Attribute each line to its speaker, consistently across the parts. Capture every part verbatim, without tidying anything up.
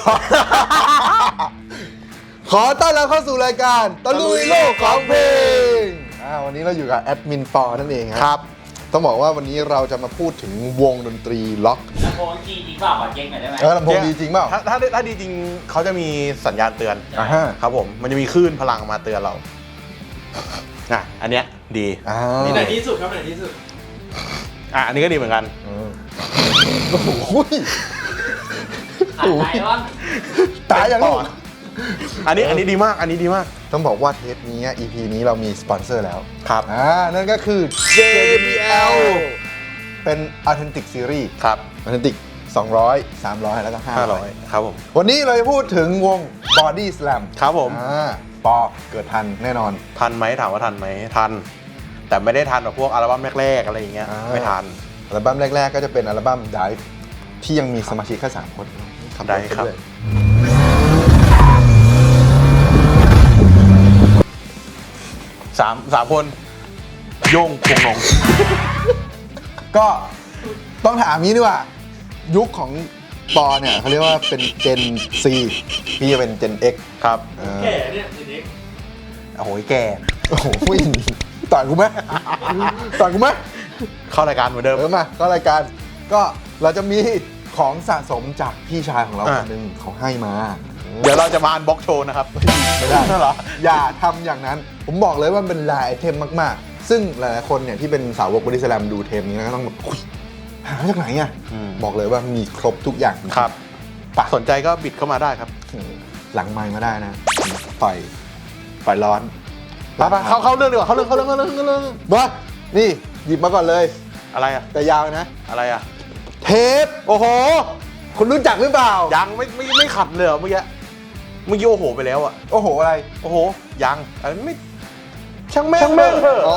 Speaker 1: ขอต้อนรับเข้าสู่รายการตะลุยโลกของเพลงอ่าวันนี้เราอยู่กับแอดมินปอนั่นเองครับต้องบอกว่าวันนี้เราจะมาพูดถึงวงดนตรีล็อก
Speaker 2: ลำโพงจริงจริงเปล่าขอเช็คหน่อยได้ไหม
Speaker 1: เออลำโพงดีจริงเปล่า
Speaker 3: ถ้าถ้าถ้าดีจริงเขาจะมีสัญญาณเตือน
Speaker 1: อ่าฮะ
Speaker 3: ครับผมมันจะมีคลื่นพลังมาเตือนเราอ่ะอันเนี้ยดี
Speaker 1: อ่า
Speaker 4: นี่ไหนที่สุดครับไหนที่สุด
Speaker 3: อ่ะอันนี้ก็ดีเหมือนกัน
Speaker 1: โอ้โห
Speaker 2: ขาดใจบ้าง
Speaker 1: ตายอย่างลูก
Speaker 3: อันนี้อันนี้ดีมากอันนี้ดีมาก
Speaker 1: ต้องบอกว่าเทปนี้ อี พี นี้เรามีสปอนเซอร์แล้ว
Speaker 3: ครับ
Speaker 1: อ่านั่นก็คือ เจ บี แอล เป็น Authentic Series
Speaker 3: ครับ
Speaker 1: Authentic สองร้อย สามร้อย แล้วก็ ห้า
Speaker 3: ห้า
Speaker 1: ร้
Speaker 3: ร้
Speaker 1: อ
Speaker 3: อย ยครับผม
Speaker 1: วันนี้เราจะพูดถึงวง Body Slam
Speaker 3: ครับผม
Speaker 1: อ่าปอเกิดทันแน่นอน
Speaker 3: ทันไหมถามว่าทันไหมทัน แต่ไม่ได้ทันแบบพวกอัลบั้มแรกๆอะไรอย่างเงี้ย
Speaker 1: อ่า
Speaker 3: ไม่ทัน
Speaker 1: อัลบั้มแรก ๆ ก็จะเป็นอัลบั้ม Dive ที่ยังมีสมาชิกแค่สามคนขัถ
Speaker 3: Dive ครับ
Speaker 1: ไปด้วย
Speaker 3: สามสามคนโย่งคงนง
Speaker 1: ก็ต้องถามนี้ดีกว่า ยุคของปอเนี่ยเขาเรียกว่าเป็น Gen C พี่จะเป็น Gen X
Speaker 3: ครับ
Speaker 1: เออ
Speaker 4: แก่เนี่ยเด็ก
Speaker 3: โอ้โหแก
Speaker 1: โอ้โหต่อยกูไหมต่อยกูไหม
Speaker 3: เข้ารายการเหมือนเดิม
Speaker 1: เออมาก็รายการก็เราจะมีของสะสมจากพี่ชายของเรา
Speaker 3: อ่ะ
Speaker 1: คนหนึ่งเขาให้มา
Speaker 3: เดี๋ยวเราจะมาอันบ็อกโชว์นะครับ
Speaker 1: ไม่ได้
Speaker 3: เหรอ
Speaker 1: อย่าทำอย่างนั้น ผมบอกเลยว่ามันเป็นลายไอเทมมากๆ ซึ่งหลายๆคนเนี่ยที่เป็นสาวกบอดี้สแลมดูเทปนี้ก็ต้องแบบอุ๊ยหามาจากไหนอ่ะ
Speaker 3: อืม
Speaker 1: บอกเลยว่ามีครบทุกอย่าง
Speaker 3: ครับ
Speaker 1: ปะ
Speaker 3: สนใจก็บิดเข้ามาได้ครับ
Speaker 1: หลังไมค์มาได้นะต่อยต่อยร้อน
Speaker 3: ไปไปเข้าเข้าเรื่องดีกว่าเข้าเรื่องเข้าเรื่องเข้าเรื่องเข้าเรื่อง
Speaker 1: มานี่หยิบมาก่อนเลย
Speaker 3: อะไรอะ
Speaker 1: แต่ยาวนะ
Speaker 3: อะไรอะ
Speaker 1: เทปโอ้โห คุณรู้จักหรือเปล่า
Speaker 3: ยังไม่ไม่ไม่ขัดเลยเหรอเมื่อกี้เมื่อกี้โอ้โหไปแล้วอะ
Speaker 1: โอ้โหอะไร
Speaker 3: โอ้โหยังอันนั้นไม่ช่างแม่ง
Speaker 1: ช่างแม่ง
Speaker 3: เถอะ
Speaker 1: อ๋อ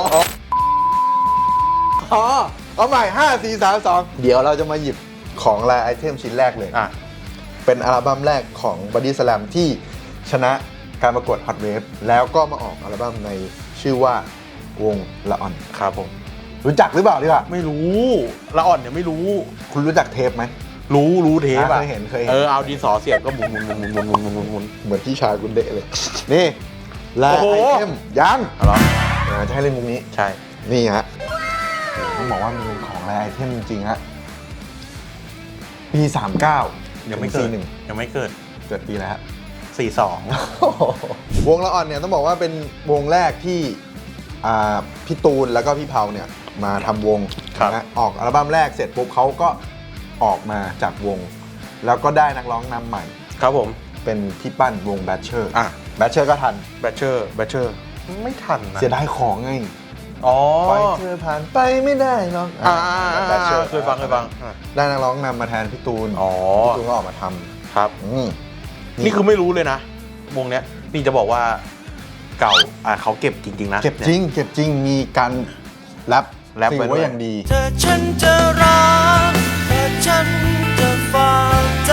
Speaker 1: อ๋อเอาใหม่ห้า สี่ สาม สองเดี๋ยวเราจะมาหยิบของลายไอเทมชิ้นแรกเลย
Speaker 3: อ่ะ
Speaker 1: เป็นอัลบั้มแรกของ Body Slam ที่ชนะการประกวด Hot Wave แล้วก็มาออกอัลบั้มในชื่อว่าวงละอ่อน
Speaker 3: ครับผม
Speaker 1: รู้จักหรือเปล่าดีกว่า
Speaker 3: ไม่รู้ละอ่อนเนี่ยไม่รู้
Speaker 1: คุณรู้จักเทปไหม
Speaker 3: รู้รู้เทปอะ
Speaker 1: เคยเห็นเคยเห็น
Speaker 3: เออเอาดินสอเสียบก็หมุนหมุนหมุนหมุนหมุนหมุนหมุนหมุน
Speaker 1: เหมือนที่ชายคุณเดะเลย นี่ลาย
Speaker 3: โอ้โห
Speaker 1: ไอเทมยัง
Speaker 3: เอาเหรอ
Speaker 1: เออจะให้เล่นมุมนี้
Speaker 3: ใช่
Speaker 1: นี่ฮะต้องบอกว่ามันเป็นของลายไอเทมจริงๆฮะปีสามเก้า
Speaker 3: ยังไม่เกิด
Speaker 1: หนึ่ง
Speaker 3: ยังไม่เกิด
Speaker 1: เกิดปีแล้วฮะ
Speaker 3: สี่สอง
Speaker 1: วงละอ่อนเนี่ยต้องบอกว่าเป็นวงแรกที่อ่าพี่ตูนแล้วก็พี่เผาเนี่ยมาทำวงนะออกอัลบั้มแรกเสร็จปุ๊บเขาก็ออกมาจากวง แล้วก็ได้นักร้องนำใหม่
Speaker 3: ครับผม
Speaker 1: เป็นพี่ปั้นวงแบทเชอร์
Speaker 3: อ่ะ
Speaker 1: แบทเชอร์ก็ทัน
Speaker 3: แบทเชอร์แบทเชอร์ไม่ทันนะ
Speaker 1: เสียดายของไง
Speaker 3: อ๋อ
Speaker 1: ปล่อยเธอผ่านไปไม่ได้หรอก
Speaker 3: อ่า
Speaker 1: แบทเชอร์
Speaker 3: เคยฟังเคยฟังอ่ะ
Speaker 1: ได้นักร้องนำมาแทนพี่ตูน
Speaker 3: อ๋อ
Speaker 1: พี่ตูนก็ออกมาท
Speaker 3: ครับ
Speaker 1: ำอืม
Speaker 3: นี่คือไม่รู้เลยนะ วงเนี้ยนี่จะบอกว่าเก่าอ่ะเขาเก็บจริง ๆ นะ
Speaker 1: เก็บจริง เก็บจริงมีการแรป
Speaker 3: แรป
Speaker 1: ถื
Speaker 3: ไว้
Speaker 1: อ
Speaker 3: ด้วย
Speaker 1: ว่าอย่างดี
Speaker 4: เธอฉันจะรักแต่ฉันจะฝากใจ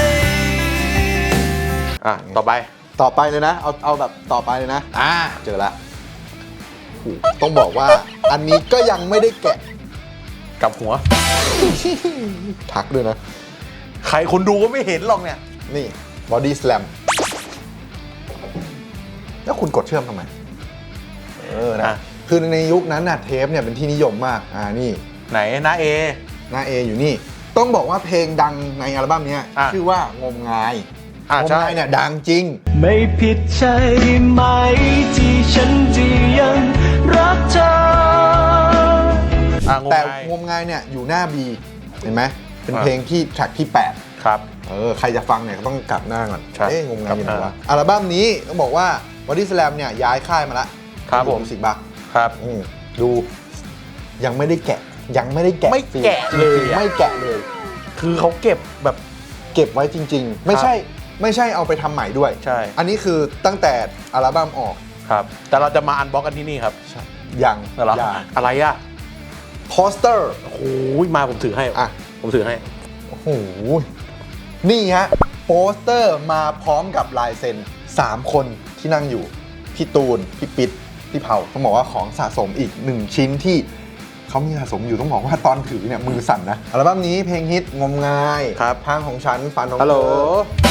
Speaker 3: อ่ะต่อไป
Speaker 1: ต่อไปเลยนะ เอาเอาแบบต่อไปเลยนะ อ่า เจอละโอ้โหต้องบอกว่า อันนี้ก็ยังไม่ได้แกะ
Speaker 3: กับหัว
Speaker 1: ทักด้วยนะ
Speaker 3: ใครคนดูก็ไม่เห็นหรอกเนี่ย
Speaker 1: นี่ Body Slam แล้วคุณกดเชื่อมทำไม เออนะ
Speaker 3: อ่ะ
Speaker 1: คือในยุคนั้นน่ะเทปเนี่ยเป็นที่นิยมมาก อ่า นี่
Speaker 3: ไหนนะเอ
Speaker 1: หน้า A อยู่นี่ ต้องบอกว่าเพลงดังในอัลบั้มเนี้ย
Speaker 3: อ่ะ
Speaker 1: ชื่อว่างมงาย
Speaker 3: อ่ะ
Speaker 1: งม
Speaker 3: ใช่
Speaker 1: งายเนี่ยดังจริง
Speaker 4: ไม่ผิดใช่ไหมที่ฉันจะยังรักเธอ
Speaker 3: อ่ะงง
Speaker 1: แต่
Speaker 3: ไง
Speaker 1: งมงายเนี่ยอยู่หน้า B เห็นไหม เป็น
Speaker 3: อ่ะ
Speaker 1: เพลงที่แทร็กที่ แปด
Speaker 3: ครับ
Speaker 1: เออ ใครจะฟังเนี่ยก็ต้องกลับหน้าก่อน
Speaker 3: ใช่
Speaker 1: เอ๊ะงมงายอยู่ไหน
Speaker 3: กลับห
Speaker 1: วะ
Speaker 3: น้า
Speaker 1: อัลบั้มนี้ต้องบอกว่า Body Slam เนี่ยย้ายค่ายมาละ
Speaker 3: ครับผม
Speaker 1: สิบบัก
Speaker 3: ครับ
Speaker 1: ดูยังไม่ได้แกะ ยังไม่ได้แกะ
Speaker 3: ไม่แกะเลย
Speaker 1: จริงๆ
Speaker 3: อะ
Speaker 1: ไม่แกะเลย
Speaker 3: คือเขาเก็บแบบ
Speaker 1: เก็บไว้จริง ๆ ไม่ใช่ไม่ใช่เอาไปทำใหม่ด้วย
Speaker 3: ใช่
Speaker 1: อันนี้คือตั้งแต่อัลบั้มออก
Speaker 3: ครับ แต่เราจะมาอันบ็อกกันที่นี่ครับ
Speaker 1: ยัง
Speaker 3: เหรอ
Speaker 1: ยัง
Speaker 3: อะไรอ่ะ
Speaker 1: โปสเตอร์
Speaker 3: โอ้โหมาผมถือให้
Speaker 1: อ่ะ
Speaker 3: ผมถือให้
Speaker 1: โอ้โห นี่ฮะ โปสเตอร์มาพร้อมกับลายเซ็นสามคนที่นั่งอยู่ พี่ตูน พี่ปิ๊ดพี่เผาต้องบอกว่าของสะสมอีกหนึ่งชิ้นที่เขามีสะสมอยู่ต้องบอกว่าตอนถือเนี่ยมือสั่นนะ อัลบั้มนี้เพลงฮิตงมงาย
Speaker 3: ครับ
Speaker 1: ทางของฉันฝันของ
Speaker 3: ฮัลโหล
Speaker 1: เธอ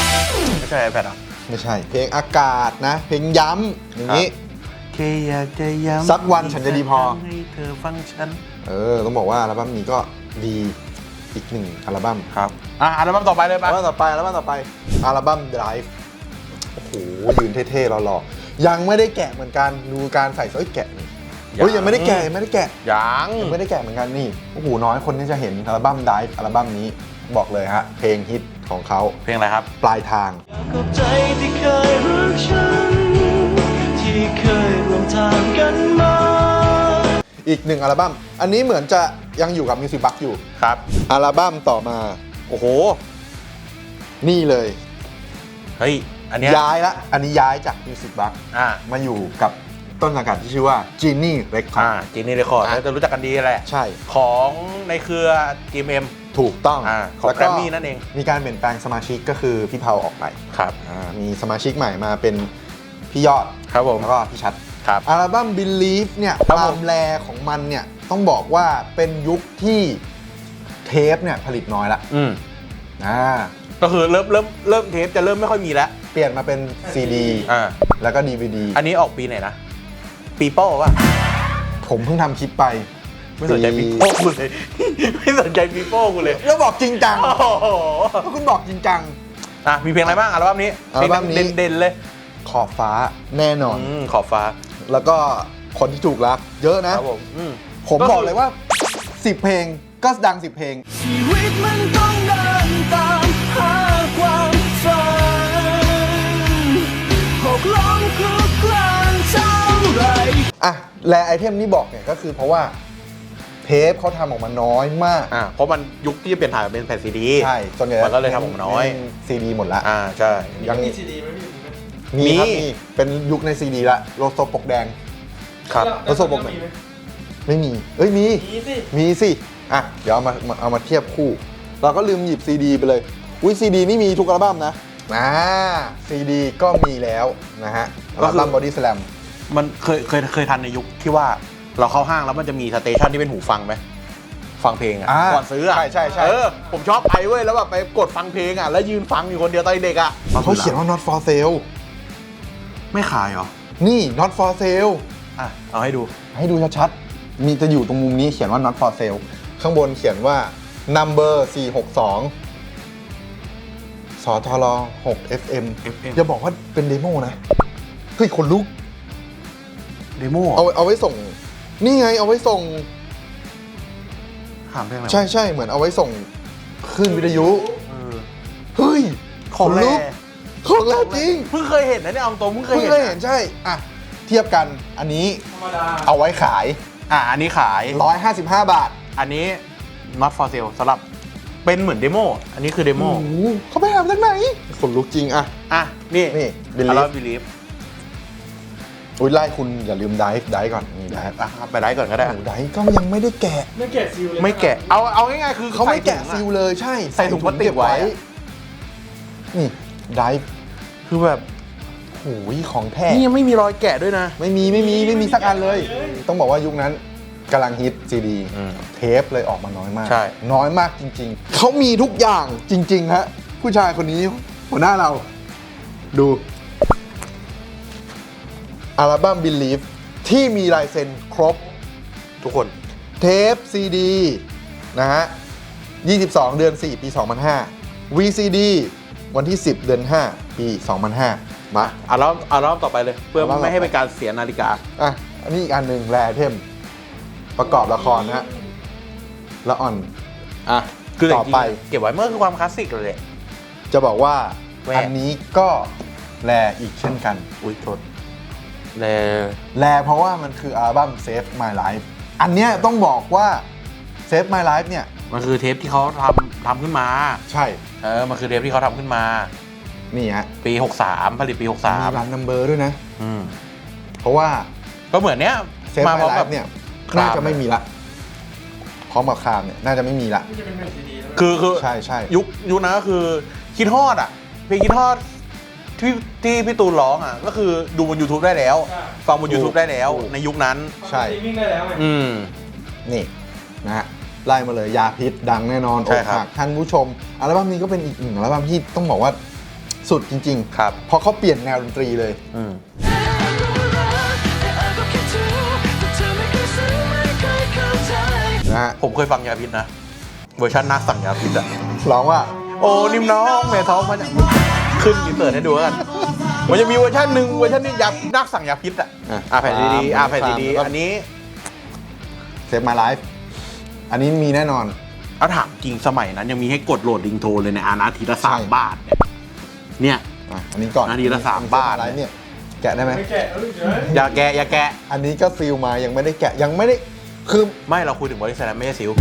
Speaker 3: ไม่ใช่ iPad อ่ะ
Speaker 1: ไม่ใช่ เพลงอากาศนะ เพลงย้ำอย่างนี้
Speaker 3: แค่อยากจะย้ำ
Speaker 1: สักวันฉันจะดีพอ
Speaker 3: ให้เธอฟังฉัน
Speaker 1: เออ ต้องบอกว่าอัลบั้มนี้ก็ดีอีกหนึ่งอัลบั้ม
Speaker 3: ครับอ่ะอัลบั้มต่อไปเลย
Speaker 1: อั
Speaker 3: ปะ
Speaker 1: ลบั้มต่อไปอัลบั้มต่อไปอัลบั้ม Drive โอ้โหยืนเท่ๆหล่อๆยังไม่ได้แกะเหมือนกันดูการใส่เสื้อแกะนี่เฮ้ยยังไม่ได้แกะยังไม่ได้แกะ
Speaker 3: ยัง
Speaker 1: ยังไม่ได้แกะเหมือนกันนี่โอ้โหน้อยคนที่จะเห็นอัลบั้ม Drive อัลบั้มนี้บอกเลยฮะเพลงฮิตของเขา
Speaker 3: เพลงอะไรครับ
Speaker 1: ปลายทาง
Speaker 4: ขอบใจที่เคยรักฉัน ที่เคยร่วมทางกันมา
Speaker 1: อีกหนึ่งอัลบั้มอันนี้เหมือนจะยังอยู่กับ Music Box อยู่
Speaker 3: ครับ
Speaker 1: อัลบั้มต่อมา
Speaker 3: โอ้โห
Speaker 1: นี่เลย
Speaker 3: เฮ้ย อันเนี้ย
Speaker 1: ย้ายละอันนี้ย้ายจาก Music Box
Speaker 3: อ่า
Speaker 1: มาอยู่กับต้นสังกัดที่ชื่อว่า Genie
Speaker 3: อ่า
Speaker 1: Records
Speaker 3: จีนี่เรคคอร์ด
Speaker 1: อ่ะ
Speaker 3: น่าจะรู้จักกันดีแหละ
Speaker 1: ใช่
Speaker 3: ของในเครือ จี เอ็ม
Speaker 1: ถูกต้อง
Speaker 3: อ่าของ
Speaker 1: แล้ว
Speaker 3: แกรมมี่นั่นเอง
Speaker 1: มีการเปลี่ยนแปลงสมาชิกก็คือพี่เผาออกไป
Speaker 3: ครับ
Speaker 1: อ่ามีสมาชิกใหม่มาเป็นพี่ยอด
Speaker 3: ครับผม
Speaker 1: แล้วก็พี่ชัด
Speaker 3: ครับ
Speaker 1: อัลบั้ม Believe เนี่ย
Speaker 3: ครับ
Speaker 1: ค
Speaker 3: ผม
Speaker 1: วามแรของมันเนี่ยต้องบอกว่าเป็นยุคที่เทปเนี่ยผลิตน้อยละ
Speaker 3: อืม
Speaker 1: อ่า
Speaker 3: ก็คือเริ่มเริ่มเริ่มเทปจะเริ่มไม่ค่อยมีแล้ว
Speaker 1: เปลี่ยนมาเป็น ซี ดี
Speaker 3: อ่า
Speaker 1: แล้วก็ ดี วี ดี
Speaker 3: อันนี้ออกปีไหนนะ ปีโป้ป่ะ
Speaker 1: ผมเพิ่งทำคลิปไป
Speaker 3: ไม่สนใจปีโป้กูเลย ไม่สนใจปีโป้กูเลย
Speaker 1: แล้วบอกจริงจัง
Speaker 3: โอ้โห
Speaker 1: ก็คุณบอกจริงจัง
Speaker 3: อ่ะมีเพลงอะไรบ้างอัลบั้มนี้
Speaker 1: อัลบั้มนี้
Speaker 3: เพลงเด่นๆเลย
Speaker 1: ขอบฟ้าแน่นอน
Speaker 3: อืมขอบฟ้า
Speaker 1: แล้วก็คนที่ถูกรัก เยอะนะ
Speaker 3: ครับผมอืม
Speaker 1: ผม
Speaker 3: ก็คือ
Speaker 1: บอกเลยว่า สิบ เพลงก็ดัง สิบ เพลง
Speaker 4: ชีวิตมันต้องเดินตามหาความฝันหกล้มคลุกคลานเท่าไร
Speaker 1: อ่ะ แลไอเทมนี้บอกเนี่ยก็คือเพราะว่าเทปเขาทำออกมาน้อยมาก
Speaker 3: อ่าเพราะมันยุคที่จะเปลี่ยนถ่ายเป็นแผ่นซีดี
Speaker 1: ใช่ส่วนใหญ่
Speaker 3: มันก็เลยทำออกมาน้อย
Speaker 1: ซีดีหมดละ
Speaker 3: อ่าใช่
Speaker 1: ยังมี
Speaker 5: ซีดีไหมพี่
Speaker 1: มีครับ
Speaker 3: มี
Speaker 1: มีเป็นยุคในซีดีละโลโซปกแดง
Speaker 3: ครับ
Speaker 1: แล้วโซบกไหน
Speaker 5: มีไหม
Speaker 1: ไม่มี เอ้ยมี
Speaker 5: มีสิ
Speaker 1: มีสิ อ่ะ เดี๋ยวเอามามาเอามาเทียบคู่ เราก็ลืมหยิบซีดีไปเลย อุ้ยซีดีนี่มีทุกอัลบั้มนะอ่าซีดีก็มีแล้วนะฮะอัลบั้มบอดี้สแลม
Speaker 3: มันเคยเคยเคยทันในยุคที่ว่าเราเข้าห้างแล้วมันจะมีสเตชันที่เป็นหูฟังไหมฟังเพลงอ่ะ
Speaker 1: อ่า
Speaker 3: ก่อนซื้ออ่ะ
Speaker 1: ใช่ใช่ใช่
Speaker 3: เออผมชอบไปเว้ยแล้วแบบไปกดฟังเพลงอ่ะแล้วยืนฟังอยู่คนเดียวตอนเด็กอ่ะ
Speaker 1: เขาเขียนว่า not for sale
Speaker 3: ไม่ขายเหรอ
Speaker 1: นี่ not for sale
Speaker 3: อ่ะเอาให้ดู
Speaker 1: ให้ดูชัดๆ มีจะอยู่ตรงมุมนี้เขียนว่า not for sale ข้างบนเขียนว่า number สี่หกสองสทรหก เอฟ เอ็ม
Speaker 3: เอฟ เอ็ม
Speaker 1: อย่าบอกว่าเป็นเดโมนะ เฮ้ยขนลุก
Speaker 3: เดโม
Speaker 1: เอาเอาไว้ส่ง นี่ไงเอาไว้ส่ง
Speaker 3: ถามเพลงอะไร
Speaker 1: ใช่ใช่เหมือนเอาไว้ส่งคลื่นวิทยุ
Speaker 3: เออ
Speaker 1: เฮ้ย
Speaker 3: ของ
Speaker 1: ขน
Speaker 3: แร
Speaker 1: ลุกของแรจริง
Speaker 3: เพิ่งเคยเห็นนะเนี่ยเอาตรงเพิ่งเคย
Speaker 1: เพิ่ง
Speaker 3: เห็น
Speaker 1: เคยเห็นใช่ อ่ะ เทียบกันอันนี้
Speaker 5: ธรรมดา
Speaker 1: เอาไว้ขาย
Speaker 3: อ่ะอันนี้ขาย
Speaker 1: หนึ่งร้อยห้าสิบห้า บาท
Speaker 3: อันนี้ not for sale สำหรับเป็นเหมือนเดโมอันนี้คือเดโม
Speaker 1: โอ้โหเขาไปหามาจากไหนขนลุกจริงอ่ะ
Speaker 3: อ่ะนี่
Speaker 1: นี่
Speaker 3: อัล
Speaker 1: Believe
Speaker 3: บั้ม Believe
Speaker 1: อุ้ยไล่คุณอย่าลืมไดฟ์ไดฟ์ก่อนนี่ไดฟ์
Speaker 3: อ่ะไปได้ก่อนก็ได้
Speaker 1: โอ้ไดฟ์ก็ยังไม่ได้แกะ
Speaker 5: ไม่แกะซิลเลย
Speaker 3: ไม่แกะเอาเอาง่ายๆคือ
Speaker 1: เขาไม่แกะ
Speaker 3: ใส่
Speaker 1: ซิ
Speaker 3: ถุ
Speaker 1: ล
Speaker 3: งอ
Speaker 1: เลยใช่
Speaker 3: ใส่ถุงพลาสติกไว้
Speaker 1: นี่ไดฟ์
Speaker 3: คือแบบ
Speaker 1: โอ้ยของแท้
Speaker 3: นี่ยังไม่มีรอยแกะด้วยนะ
Speaker 1: ไม่มีไม่มีไม่มีสักอันเลย ต้องบอกว่ายุคนั้นกำลังฮิตซีดี
Speaker 3: อืม
Speaker 1: เทปเลยออกมาน้อยมาก
Speaker 3: ใช่
Speaker 1: น้อยมากจริง ๆ เขามีทุกอย่างจริง ๆ ฮะ ผู้ชายคนนี้หัวหน้าเรา ดู อัลบั้ม Believe ที่มีลายเซ็นครบ
Speaker 3: ทุกคน
Speaker 1: เทปซีดีนะฮะ ยี่สิบสอง เดือน สี่ ปี สองพันห้า วี ซี ดี วันที่ สิบ เดือน ห้า ปี สองพันห้า มา
Speaker 3: อัลบั้มอัลบั้มต่อไปเลย เพื่อ
Speaker 1: อัลบั้มต่อไป
Speaker 3: ไม่ให้เป็นการเสียนาฬิกา
Speaker 1: อ่ะ อันนี้อีกอันหนึ่งแรเทม ประกอบละครนะฮะละอ่อน อ่ะ
Speaker 3: คือ
Speaker 1: ต่อไป
Speaker 3: จริงๆเก็บไว้เมื่อคือความคลาสสิกเลย
Speaker 1: จะบอกว่า
Speaker 3: แหวก
Speaker 1: อันนี้ก็แรอีกเช่นกัน
Speaker 3: อุ้ยโทษแล
Speaker 1: แรเพราะว่ามันคืออัลบั้ม Save My Life อันเนี้ยต้องบอกว่า Save My Life เนี่ย
Speaker 3: มันคือเทปที่เขาทำทำขึ้นมา
Speaker 1: ใช่
Speaker 3: เออ มันคือเทปที่เขาทำขึ้นมา
Speaker 1: นี่ฮะ
Speaker 3: ปี หกสาม ผลิตปี หกสาม
Speaker 1: มีรันนัมเบอร์ด้วยนะ
Speaker 3: อืม
Speaker 1: เพราะว่า
Speaker 3: ก็เหมือนเนี้ย
Speaker 1: Save
Speaker 3: มา
Speaker 1: My
Speaker 3: พร้อมกับ
Speaker 1: Life เนี่ย
Speaker 3: คราม
Speaker 1: น่าจะไม่มีละพร้อมกับครามเนี่ยน่าจะไม่มีละ
Speaker 5: ที่จะเป็นแผ่นซีดีแล้ว
Speaker 3: คือคือ
Speaker 1: ใช่ใช่
Speaker 3: ยุคยุคนั้นก็คือคิดฮอดอ่ะ เพลงคิดฮอดที่ที่พี่ตูนร้องอ่ะ ก็คือดูบน YouTube ได้แล้ว ฟังบน YouTube ได้แล้ว ในยุคนั้น
Speaker 1: ใช่
Speaker 5: สตรีมมิ่งได้แล้วไง
Speaker 3: อืม
Speaker 1: นี่นะฮะไล่มาเลยยาพิษดังแน่นอน
Speaker 3: ใช่
Speaker 1: อก
Speaker 3: ครับ
Speaker 1: หักท่านผู้ชมอัลบั้มนี้ก็เป็นอีกหนึ่งอัลบั้มที่ต้องบอกว่าสุดจริง
Speaker 3: ครับ
Speaker 1: เพราะเขาเปลี่ยนแนวดนตรีเลย
Speaker 3: อืม
Speaker 1: นะฮะ
Speaker 3: ผมเคยฟังยาพิษนะ เวอร์ชันนักสั่งยาพิษอะ
Speaker 1: ร้องว่า
Speaker 3: โอ้นิ่มน้องแม่ท้องมันจะขึ้นอินเสิร์ตให้ดูแล้วกัน มันจะมีเวอร์ชันหนึ่งเวอร์ชันนี้ยานักสั่งยาพิษอะ
Speaker 1: อ่ะ
Speaker 3: อ่ะแผ่นดีๆอ่ะแผ่นดี
Speaker 1: แล้วก็
Speaker 3: ๆอันนี้
Speaker 1: เซฟมาไลฟ์อันนี้มีแน่นอน
Speaker 3: เอาถามจริงสมัยนั้นยังมีให้กดโหลดลิงโทนเลยในอานาทีละสาม
Speaker 1: ใช่
Speaker 3: บาทเนี่ย
Speaker 1: อ่ะอันนี้ก่อน
Speaker 3: อันนี้ละสามบาท
Speaker 1: ไลฟ์เนี่ย แกะได้ไหม
Speaker 3: อย่าแกะอย่าแกะ
Speaker 1: อันนี้ก็ซีลมายังไม่ได้แกะยังไม่ได้คือ
Speaker 3: ไม่เราคุยถึงบริษัทไม่ใช่ซิว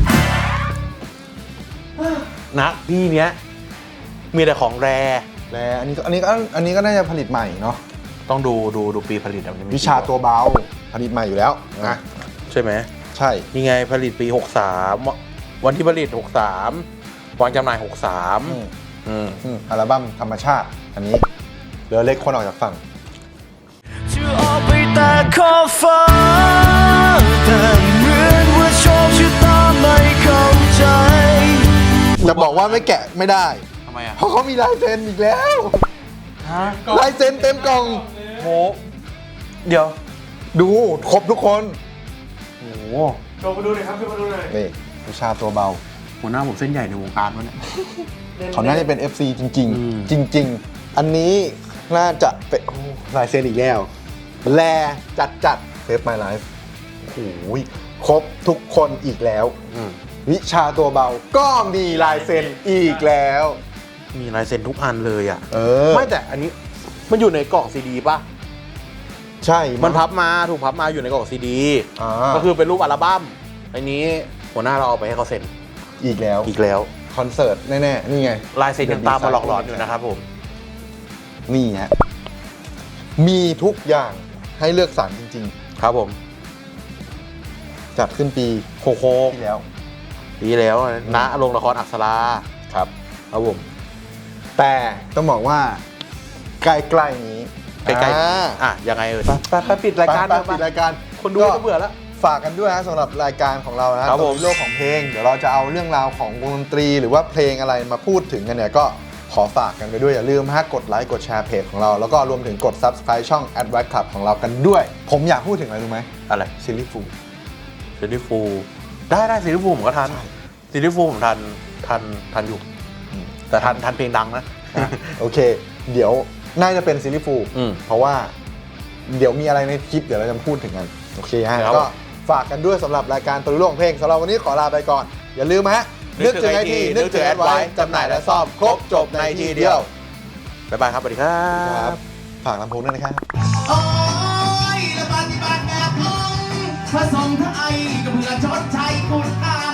Speaker 3: นะพี่เนี้ยมีแต่ของแร
Speaker 1: แล้วอันนี้ก็อันนี้ก็อันนี้ก็น่าจะผลิตใหม่เนาะ
Speaker 3: ต้องดูดูดูปีผลิตอะมันจะมี
Speaker 1: วิชาตัวเบาผลิตใหม่อยู่แล้วนะ
Speaker 3: ใช่ไหม
Speaker 1: ใช่
Speaker 3: นี่ไงผลิตปี หกสาม วันที่ผลิต หกสาม วางจำหน่าย หกสาม
Speaker 1: อืม
Speaker 3: อืม
Speaker 1: อืมอัลบั้มธรรมชาติ อันนี้เรือเล็กคนออกจากฝั่ง
Speaker 4: จะออกไปแต่ขอบฟ้าแต่เหมือนว่าโชคชะตาไม่เข้าใจ
Speaker 1: จะบอกว่าไม่แกะไม่ได้
Speaker 3: ทำไมอ่ะ
Speaker 1: เพราะเขามีลายเซ็นอีกแล้ว
Speaker 3: ฮะ
Speaker 1: ลายเซ็นเต็มกล่อง
Speaker 3: โหเดี๋ยว
Speaker 1: ดูครบทุกคน
Speaker 3: โอ้โห
Speaker 5: โชว์มาดูหน่อยครับโชว์มาดูหน่อย
Speaker 1: นี่วิชาตัวเบา
Speaker 3: หัวหน้าผมเส้นใหญ่ในวงการวะเนี่ย
Speaker 1: เขาน่าจะเป็น เอฟ ซี จริง
Speaker 3: อืม
Speaker 1: ๆ จริง ๆ อันนี้น่าจะเป็นโอ้ลายเซ็นอีกแล้ว แลจัดจัดเซฟ My Life โอ้โหครบทุกคนอีกแล้ว
Speaker 3: อืม
Speaker 1: วิชาตัวเบาก็มีลายเซ็นอีกแล้ว
Speaker 3: มีลายเซ็นทุกอันเลยอ่ะ
Speaker 1: เออ
Speaker 3: ไม่แต่อันนี้มันอยู่ในกล่องซีดีป่ะ
Speaker 1: ใช่
Speaker 3: มันพับมาถูกพับมาอยู่ในกล่องซีดี
Speaker 1: อ่า
Speaker 3: ก็คือเป็นรูปอัลบั้มอันนี้หัวหน้าเราเอาไปให้เขาเซ็น
Speaker 1: อีกแล้ว
Speaker 3: อีกแล้ว
Speaker 1: คอนเสิร์ตแน่ ๆ นี่ไง
Speaker 3: ลายเซ็นยังตามมาหลอกหลอนอยู่นะครับผม
Speaker 1: นี่ฮะ มีทุกอย่างให้เลือกสรรจริง
Speaker 3: ครับผม
Speaker 1: ๆ จัดขึ้นปี
Speaker 3: โคโค่
Speaker 1: ที่แล้ว
Speaker 3: ปีแล้วณโรงละครอักษรา
Speaker 1: ครับ
Speaker 3: ครับผม
Speaker 1: แต่ต้องบอกว่า ใกล้ๆนี้
Speaker 3: ใกล้
Speaker 1: อ่า
Speaker 3: ๆอ่ะยังไงเอ่ยไปไปไปปิดรายการ
Speaker 1: ไป
Speaker 3: เถอะ
Speaker 1: ๆปิดรายการ
Speaker 3: คนดูจะเบื่อแล้ว
Speaker 1: ฝากกันด้วยนะสำหรับรายการของเรานะครับ
Speaker 3: ผม
Speaker 1: โลกของเพลง เดี๋ยวเราจะเอาเรื่องราวของวงดนตรี หรือว่าเพลงอะไรมาพูดถึงกันเนี่ยก็ขอฝากกันไปด้วย อย่าลืมฮะกดไลค์กดแชร์เพจของเรา แล้วก็รวมถึงกด Subscribe ช่อง Advice Club ของเรากันด้วย ผมอยากพูดถึงอะไรรู้ไหม
Speaker 3: อะไร
Speaker 1: ซิลลี่ฟู
Speaker 3: ซีรีส์ฟูลได้ได้ซีรีส์ฟูลผมก็ทันซีรีส์ฟูลผมทันทันทันอยู่ แต่ทันทันเพลงดังนะ
Speaker 1: โอเค เดี๋ยวน่าจะเป็นซิลลี่ฟู
Speaker 3: อืม
Speaker 1: เพราะว่าเดี๋ยวมีอะไรในคลิปเดี๋ยวเราจะพูดถึงกัน โอเคฮะ
Speaker 3: ครับ
Speaker 1: ก็ฝากกันด้วยสำหรับรายการตัวโลกของเพลงสำหรับวันนี้ขอลาไปก่อน อย่าลืมฮะ
Speaker 3: นึ
Speaker 1: นึ
Speaker 3: ก
Speaker 1: ก
Speaker 3: ถึ
Speaker 1: ถึ
Speaker 3: ง
Speaker 1: งไอที
Speaker 3: ไอที
Speaker 1: นึกถึงแอดไว้
Speaker 3: นึกถึง
Speaker 1: จำหน่ายและซ่อมครบจบในทีเดียว
Speaker 3: บ๊ายบายครับสวัสดีครั
Speaker 1: ครับ บ ฝากลำโพงด้วยนะครับ
Speaker 6: โอ้ยและปฏิบัติแบบงงผสมทั้งไอกับเพื่อชดใช้คุณค่า